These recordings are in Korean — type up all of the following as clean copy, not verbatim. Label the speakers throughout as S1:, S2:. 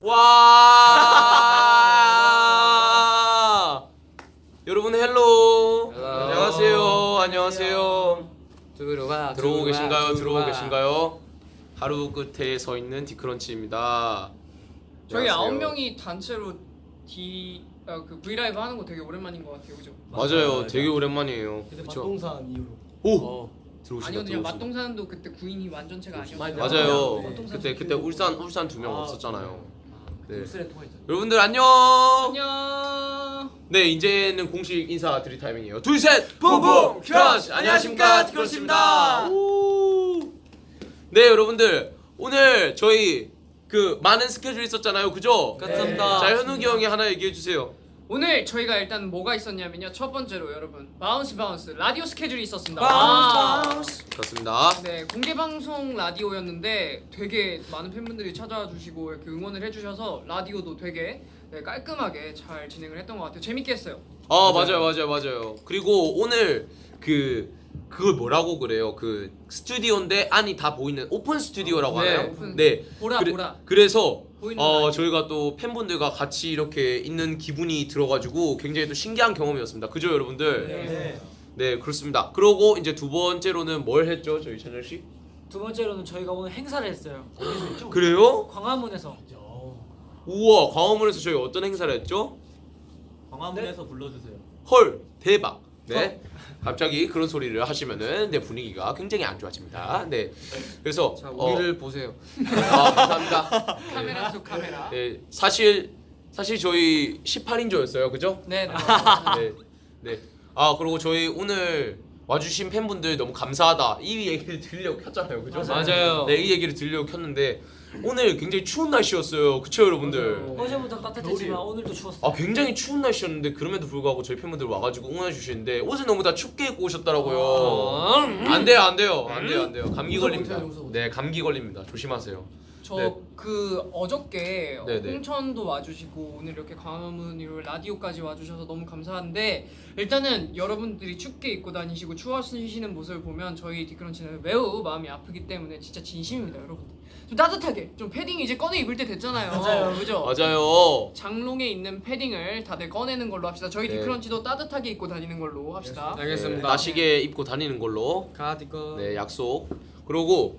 S1: 와. 여러분 헬로. 안녕하세요. 안녕하세요. 들어오고 계신가요? 들어오고 계신가요? 하루 끝에 서 있는 디크런치입니다.
S2: 저희 9명이 단체로 그 브이라이브 하는 거 되게 오랜만인 것 같아요, 그죠?
S1: 맞아요. 되게 오랜만이에요.
S3: 그때
S1: 그쵸?
S3: 맛동산 이후로.
S1: 오. 들어오시다.
S2: 아니요, 맛동산도 그때 구인이 완전체가 아니었어요.
S1: 맞아요.
S2: 맛동산
S1: 그때 울산 2명 없었잖아요. 네.
S3: 울산에 통화했잖아.
S1: 여러분들 안녕.
S2: 안녕.
S1: 네, 이제는 공식 인사드릴 타이밍이에요. 둘, 셋, 붕붕 크런치. 안녕하십니까, 디크런치입니다. 네, 여러분들 오늘 저희 그 많은 스케줄 있었잖아요, 그죠?
S3: 감사합니다.
S1: 자, 현욱이 형이 하나 얘기해 주세요.
S2: 오늘 저희가 일단 뭐가 있었냐면요. 첫 번째로 여러분 바운스 라디오 스케줄이 있었습니다.
S3: 바운스.
S1: 그렇습니다.
S2: 네, 공개 방송 라디오였는데 되게 많은 팬분들이 찾아와 주시고 이렇게 응원을 해주셔서 라디오도 되게 깔끔하게 잘 진행을 했던 것 같아요. 재밌게 했어요.
S1: 맞아요. 그리고 오늘 그걸 뭐라고 그래요? 그 스튜디오인데 안이 다 보이는 오픈 스튜디오라고
S2: 네,
S1: 하나요?
S2: 오픈.
S1: 네.
S2: 보라.
S1: 그래서
S2: 보이는 라디오.
S1: 저희가 또 팬분들과 같이 이렇게 있는 기분이 들어가지고 굉장히 또 신기한 경험이었습니다. 그죠, 여러분들?
S3: 네.
S1: 네, 그렇습니다. 그러고 이제 두 번째로는 뭘 했죠, 저희 찬열 씨?
S4: 두 번째로는 저희가 오늘 행사를 했어요.
S1: 그래요?
S4: 광화문에서.
S1: 우와, 광화문에서 저희 어떤 행사를 했죠?
S3: 광화문에서 불러주세요.
S1: 헐, 대박. 네. 갑자기 그런 소리를 하시면은 내 분위기가 굉장히 안 좋아집니다. 네. 그래서
S5: 자, 우리를 보세요.
S1: 감사합니다.
S2: 카메라 속 카메라.
S1: 네, 사실 저희 18인조였어요, 그죠?
S2: 네.
S1: 네. 아, 그리고 저희 오늘 와주신 팬분들 너무 감사하다 이 얘기를 들으려고 켰잖아요, 그죠?
S5: 맞아요.
S1: 네, 이 얘기를 들으려고 켰는데 오늘 굉장히 추운 날씨였어요, 그쵸, 여러분들?
S4: 어제부터 따뜻했지만 오늘도 추웠어요.
S1: 아, 굉장히 추운 날씨였는데 그럼에도 불구하고 저희 팬분들 와가지고 응원해 주시는데 옷을 너무 다 춥게 입고 오셨더라고요. 안 돼요. 감기 걸립니다. 네, 감기 걸립니다. 조심하세요.
S2: 저
S1: 네.
S2: 그 어저께
S1: 네네.
S2: 홍천도 와주시고 오늘 이렇게 광화문으로 라디오까지 와주셔서 너무 감사한데 일단은 여러분들이 춥게 입고 다니시고 추워하시는 모습을 보면 저희 디크런치는 매우 마음이 아프기 때문에 진짜 진심입니다, 여러분. 좀 따뜻하게 좀 패딩 이제 꺼내 입을 때 됐잖아요.
S4: 맞아요.
S2: 그죠?
S1: 맞아요.
S2: 장롱에 있는 패딩을 다들 꺼내는 걸로 합시다. 저희
S1: 네.
S2: 디크런치도 따뜻하게 입고 다니는 걸로 합시다.
S5: 알겠습니다.
S1: 나시게 입고 다니는 걸로.
S5: 가디건.
S1: 네, 약속. 그리고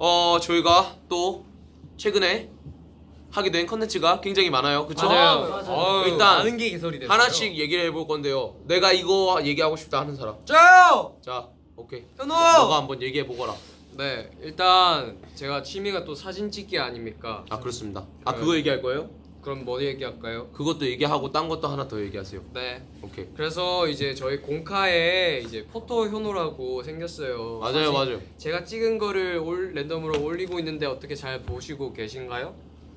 S1: 저희가 또 최근에 하게 된 컨텐츠가 굉장히 많아요. 그쵸?
S5: 맞아요.
S4: 맞아요.
S1: 일단
S5: 많은 게 개설이 됐어요.
S1: 하나씩 얘기를 해볼 건데요. 내가 이거 얘기하고 싶다 하는 사람.
S5: 저요.
S1: 자, 오케이.
S5: 현우.
S1: 너가 한번 얘기해 보거라.
S5: 네, 일단 제가 취미가 또 사진 찍기 아닙니까?
S1: 아, 그렇습니다. 아, 그거 얘기할 거예요?
S5: 그럼 뭐 얘기할까요?
S1: 그것도 얘기하고 딴 것도 하나 더 얘기하세요.
S5: 네.
S1: 오케이.
S5: 그래서 이제 저희 공카에 이제 포토 현우라고 생겼어요.
S1: 맞아요, 맞아요.
S5: 제가 찍은 거를 랜덤으로 올리고 있는데 어떻게 잘 보시고 계신가요?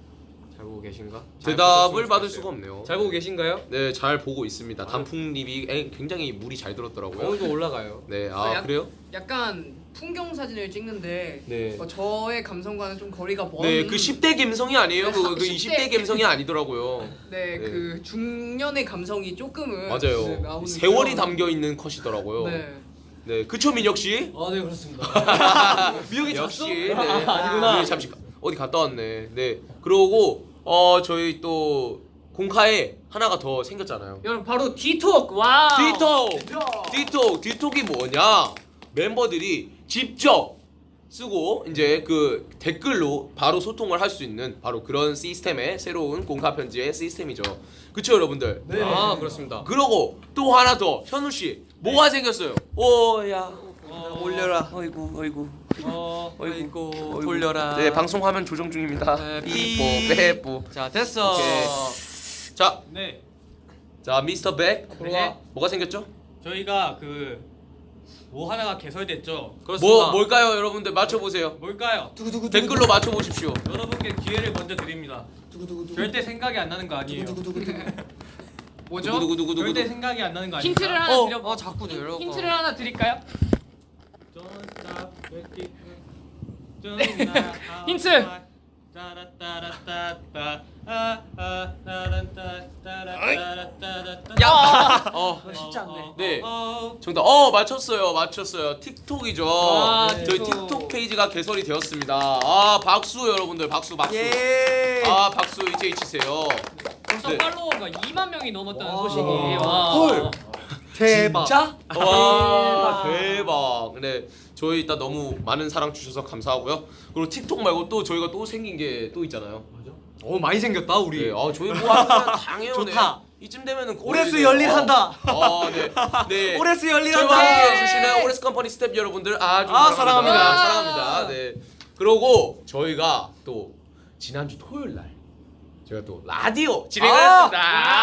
S5: 잘 보고 계신가? 잘
S1: 대답을
S5: 보셨으면
S1: 받을
S5: 좋겠어요.
S1: 수가 없네요.
S5: 잘 보고 계신가요?
S1: 네, 잘 보고 있습니다. 단풍잎이 굉장히 물이 잘 들었더라고요.
S5: 오늘도 올라가요.
S1: 네, 아, 그래요?
S2: 약간 풍경 사진을 찍는데
S1: 네.
S2: 저의 감성과는 좀 거리가 먼.
S1: 네, 그 10대 감성이 아니에요.
S2: 네,
S1: 그
S2: 10대
S1: 20대 감성이 아니더라고요.
S2: 네,
S1: 네.
S2: 그 중년의 감성이 조금은
S1: 맞아요.
S2: 네, 나오는
S1: 세월이
S2: 그런-
S1: 담겨 있는 컷이더라고요.
S2: 네.
S1: 네, 그쵸, 민혁 씨?
S3: 네 그렇습니다.
S1: 민혁이 역시. 네.
S3: 아니구나.
S1: 민혁이 잠시 어디 갔다 왔네. 네. 그러고 저희 또 공카에 하나가 더 생겼잖아요.
S2: 여러분 바로 디톡. 와우.
S1: 디톡이 뭐냐? 멤버들이 직접 쓰고 이제 그 댓글로 바로 소통을 할 수 있는 바로 그런 시스템의 새로운 공카 편지의 시스템이죠. 그쵸, 여러분들?
S3: 네.
S5: 아, 그렇습니다.
S1: 그러고 또 하나 더, 현우 씨 뭐가 생겼어요? 오야
S5: 올려라.
S1: 어이구
S5: 어이구 돌려라.
S1: 네, 방송 화면 조정 중입니다.
S5: 네,
S1: 삐뽀 빼뿌.
S5: 자, 됐어.
S1: 오케이. 자,
S3: 네.
S1: 미스터 백.
S3: 네.
S1: 뭐가 생겼죠?
S3: 저희가 뭐 하나가 개설됐죠.
S5: 그렇습니다.
S1: 뭘까요, 여러분들 맞춰 보세요.
S3: 뭘까요?
S1: 댓글로 맞춰 보십시오.
S3: 여러분께 기회를 먼저 드립니다. 절대 생각이 안 나는 거 아니에요.
S2: 뭐죠?
S1: 누구누구누구누구.
S3: 절대 생각이 안 나는 거 아니에요.
S2: 힌트를 하나 드려.
S5: 자꾸 내려가.
S2: 힌트를 하나 드릴까요? 힌트.
S4: 쉽지 않네.
S1: 네. 정답. 맞췄어요. 틱톡이죠.
S4: 네.
S1: 저희 틱톡 페이지가 개설이 되었습니다. 아, 박수 여러분들. 박수.
S5: 예.
S1: 아, 박수. SH세요.
S2: 벌써
S1: 네.
S2: 팔로워가 2만 명이 넘었다는
S4: 와.
S2: 소식이.
S1: 헐.
S5: 대박.
S1: 진짜? 와 대박. 네 저희 일단 너무 많은 사랑 주셔서 감사하고요. 그리고 틱톡 말고 또 저희가 또 생긴 게 또 있잖아요.
S5: 많이 생겼다 우리.
S1: 네, 저희 뭐 하면 당해요.
S5: 좋다.
S1: 네. 이쯤 되면은
S5: 오레스 열일한다.
S1: 네. 네.
S5: 오레스
S1: 저희와
S5: 열일한다.
S1: 함께 해주시는 오레스 컴퍼니 스태프 여러분들 아주
S5: 사랑합니다.
S1: 사랑합니다. 네. 그리고 저희가 또 지난주 토요일 날 저희가 또 라디오 진행을 했습니다.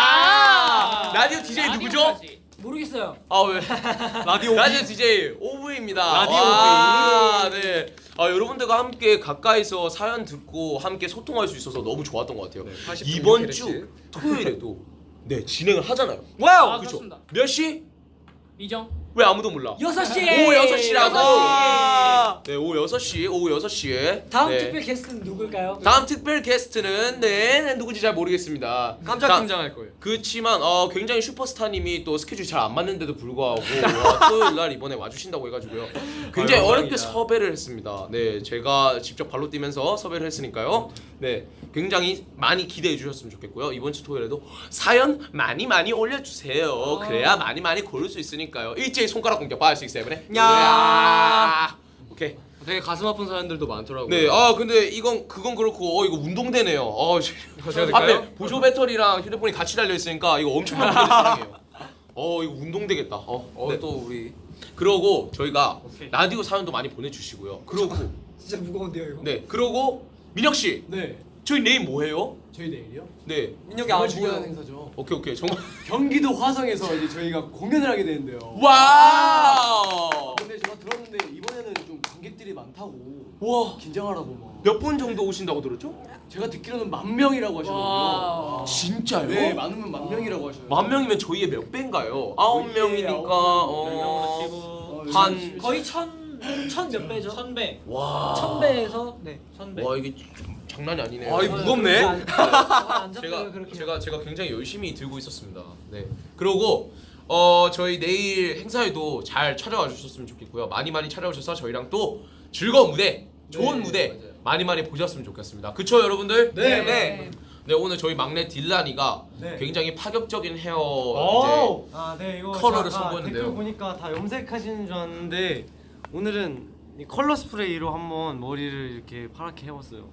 S1: 라디오 DJ 누구죠?
S2: 라디오까지.
S4: 모르겠어요.
S1: 왜?
S5: 라디오
S1: 라디오 DJ 오브입니다.
S5: 라디오
S1: 와, 네. 여러분들과 함께 가까이서 사연 듣고 함께 소통할 수 있어서 너무 좋았던 것 같아요.
S5: 80
S1: 이번
S5: 이렇게
S1: 주
S5: 됐지.
S1: 토요일에도 네 진행을 하잖아요.
S5: 와우.
S2: 아,
S1: 그죠?
S2: 그렇습니다.
S1: 몇 시?
S2: 이정.
S1: 왜 아무도 몰라?
S4: 6시.
S1: 오후 6시라고.
S2: 6시.
S1: 네, 오후 6시에.
S4: 다음
S1: 네.
S4: 특별 게스트는 누굴까요?
S1: 다음 특별 게스트는 누구지 잘 모르겠습니다.
S5: 깜짝 등장할 거예요.
S1: 그렇지만 굉장히 슈퍼스타님이 또 스케줄이 잘 안 맞는데도 불구하고 토요일 날 이번에 와주신다고 해가지고요. 굉장히 어렵게 섭외를 했습니다. 네, 제가 직접 발로 뛰면서 섭외를 했으니까요. 네, 굉장히 많이 기대해 주셨으면 좋겠고요. 이번 주 토요일에도 사연 많이 올려주세요. 그래야 많이 고를 수 있으니까요. 일제히 손가락 공격 5, 6, 7에.
S5: 야.
S1: 오케이.
S5: 되게 가슴 아픈 사연들도 많더라고요.
S1: 네, 근데 그건 그렇고 이거 운동되네요.
S5: 제가 될까요?
S1: 앞에 보조 배터리랑 휴대폰이 같이 달려 있으니까 이거 엄청난 분들이 사랑해요. 이거 운동되겠다. 네.
S5: 또 우리
S1: 그러고 저희가 라디오 사연도 많이 보내주시고요. 그러고
S4: 진짜 무거운데요 이거?
S1: 네, 그러고 민혁 씨,
S6: 네,
S1: 저희 내일 뭐 해요?
S6: 저희 내일이요?
S1: 네,
S5: 민혁이 안
S6: 중요한
S5: 보여.
S6: 행사죠.
S1: 오케이 정말
S6: 경기도 화성에서 이제 저희가 공연을 하게 되는데요.
S1: 와우.
S6: 근데 제가 들었는데 이번에는 좀 관객들이 많다고
S1: 와,
S6: 긴장하라고 막.
S1: 몇 분 정도 오신다고 들었죠?
S6: 제가 듣기로는 10,000명이라고 하시거든요.
S1: 진짜요?
S6: 네, 많으면 10,000명이라고 하셔요.
S1: 10,000명이면 저희의 몇 배인가요?
S6: 저희의
S1: 9명이니까 한
S4: 거의 천 몇 배죠?
S2: 1000배.
S1: 와.
S4: 1000배에서 네.
S2: 1000배.
S1: 와 이게 장난이 아니네요.
S5: 아, 이거 무겁네.
S4: 안 잡혀요 그렇게.
S1: 제가 굉장히 열심히 들고 있었습니다. 네. 그리고 저희 내일 행사에도 잘 찾아와 주셨으면 좋겠고요. 많이 찾아오셔서 저희랑 또 즐거운 무대, 좋은 무대 많이 보셨으면 좋겠습니다. 그쵸 여러분들?
S6: 네,
S5: 네.
S1: 네 오늘 저희 막내 딜란이가
S7: 네.
S1: 굉장히 파격적인 헤어
S7: 네 이거
S1: 컬러를
S7: 제가
S1: 선보였는데요.
S7: 댓글 보니까 다 염색하시는 줄 알았는데 오늘은 이 컬러 스프레이로 한번 머리를 이렇게 파랗게 해봤어요.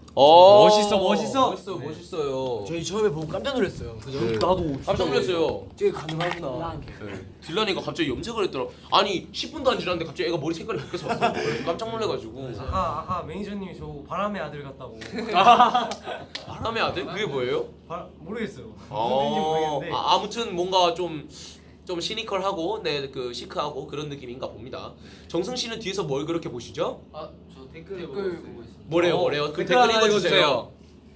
S1: 멋있어요.
S6: 저희 처음에 보고 깜짝 놀랐어요. 그죠?
S1: 네.
S6: 나도
S1: 깜짝 놀랐어요.
S6: 저게 가능하구나.
S1: 네. 딜란이가 갑자기 염색을 했더라. 아니 10분도 안 지났는데 갑자기 애가 머리 색깔이 바뀌어서 왔어. 그래서 깜짝 놀래가지고.
S7: 아까 매니저님이 저 바람의 아들 같다고.
S1: 바람의 아들? 그게 뭐예요?
S7: 모르겠어요. 누군지 모르겠는데.
S1: 아무튼 뭔가 좀 시니컬하고 그 시크하고 그런 느낌인가 봅니다. 정승 씨는 뒤에서 뭘 그렇게 보시죠?
S5: 저 댓글 보고 있습니다.
S1: 뭐래요? 그
S5: 댓글
S1: 댓글
S5: 하나
S1: 읽어주세요.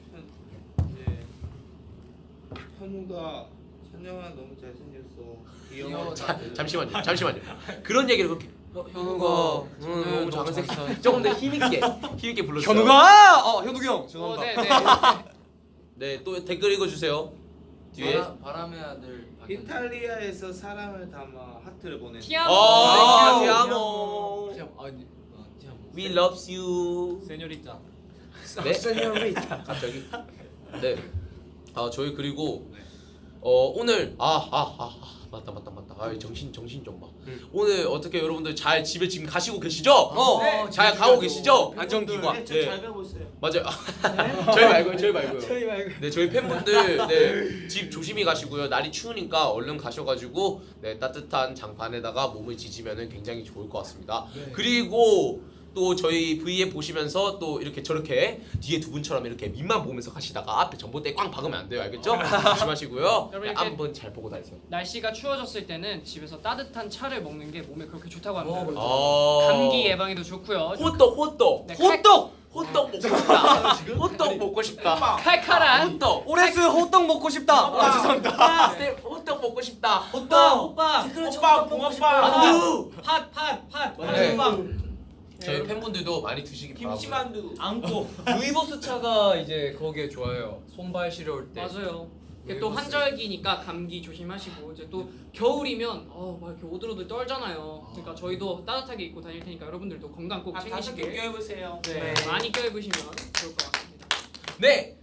S8: 현우가 찬영아 너무 잘생겼어. 귀여워.
S1: 잠시만요. 그런 얘기를 그렇게
S5: 현우가
S1: 너무 잘생겼어. 조금 더 힘있게 불러주세요.
S5: 현우가 현욱이 형.
S2: 죄송합니다.
S1: 네, 또 댓글 읽어주세요. 뒤에.
S5: 바람의 아들.
S8: 이탈리아에서 사랑을 담아 하트를 보내.
S2: 티아모.
S1: 티아모. We loves you.
S2: 세뇨리타.
S1: 네? 갑자기? 네. 저희 그리고 오늘 맞다. 정신 좀 봐. 오늘 어떻게 여러분들 잘 집에 지금 가시고 계시죠? 잘 가고 계시죠?
S5: 안전기관.
S1: 네.
S8: 잘 가고 있어요.
S1: 맞아요. 저희 말고요.
S4: 저희 말고.
S1: 네, 저희 팬분들 집 조심히 가시고요. 날이 추우니까 얼른 가셔가지고 따뜻한 장판에다가 몸을 지지면은 굉장히 좋을 것 같습니다. 그리고 또 저희 V에 보시면서 또 이렇게 저렇게 뒤에 두 분처럼 이렇게 밑만 보면서 가시다가 앞에 전봇대 꽝 박으면 안 돼요. 알겠죠? 조심하시고요.
S2: 여러분, 이렇게
S1: 한번 잘 보고 다니세요.
S2: 날씨가 추워졌을 때는 집에서 따뜻한 차를 먹는 게 몸에 그렇게 좋다고 합니다. 감기 예방에도 좋고요.
S1: 호떡.
S2: 네,
S1: 호떡 먹고 싶다. 호떡 먹고 싶다.
S2: 칼칼한
S1: 호떡.
S5: 오레스 호떡 먹고 싶다. 죄송합니다.
S1: 호떡 먹고 싶다.
S2: 오빠
S8: 붕어빵.
S1: 안두.
S2: 팥
S1: 네.
S2: 호빵
S1: 저희 팬분들도 많이 드시기 바랍니다.
S8: 김치만두.
S2: 안고
S5: 루이보스 차가 이제 거기에 좋아요. 손발 시려울 때.
S2: 맞아요. 이게 또 한절기니까 감기 조심하시고 이제 또 겨울이면 막 이렇게 오들오들 떨잖아요. 그러니까 저희도 따뜻하게 입고 다닐 테니까 여러분들도 건강 꼭 챙기시길.
S8: 껴입으세요.
S2: 네, 많이 껴입으시면 좋을 것 같습니다.
S1: 네,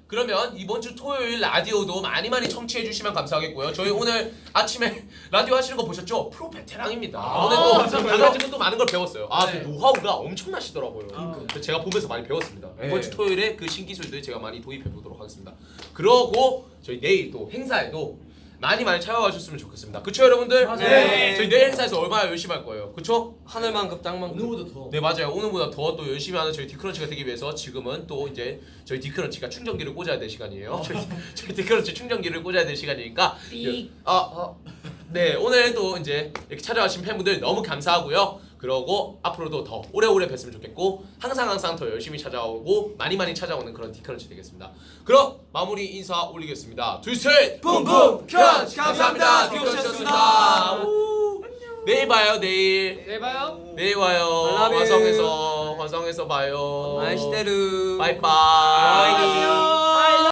S1: 그러면 이번 주 토요일 라디오도 많이 청취해 주시면 감사하겠고요. 저희 오늘 아침에 라디오 하시는 거 보셨죠? 프로 베테랑입니다. 오늘도 가가지고 또 많은 걸 배웠어요. 그 노하우가 엄청나시더라고요. 그래서 제가 보면서 많이 배웠습니다. 이번 주 토요일에 그 신기술들 제가 많이 도입해 보도록 하겠습니다. 그러고 저희 내일 또 행사에도 많이 찾아와 주셨으면 좋겠습니다. 그쵸 여러분들?
S4: 네.
S1: 저희 내일 행사에서 얼마나 열심히 할 거예요. 그쵸?
S5: 하늘만큼 땅만큼.
S6: 오늘보다 더.
S1: 네 맞아요. 오늘보다 더 또 열심히 하는 저희 디크런치가 되기 위해서 지금은 또 이제 저희 디크런치가 충전기를 꽂아야 될 시간이에요. 저희 디크런치 충전기를 꽂아야 될 시간이니까 네 오늘 또 이제 이렇게 찾아와주신 팬분들 너무 감사하고요. 그러고 앞으로도 더 오래오래 뵀으면 좋겠고 항상 더 열심히 찾아오고 많이 찾아오는 그런 디크런치 되겠습니다. 그럼 마무리 인사 올리겠습니다. 둘셋 붐붐 크런치 감사합니다. 디크런치였습니다. 내일 봐요 내일.
S2: 네 봐요.
S1: 내일 와요. 화성에서 봐요.
S5: 아이시테르.
S1: 바이바이.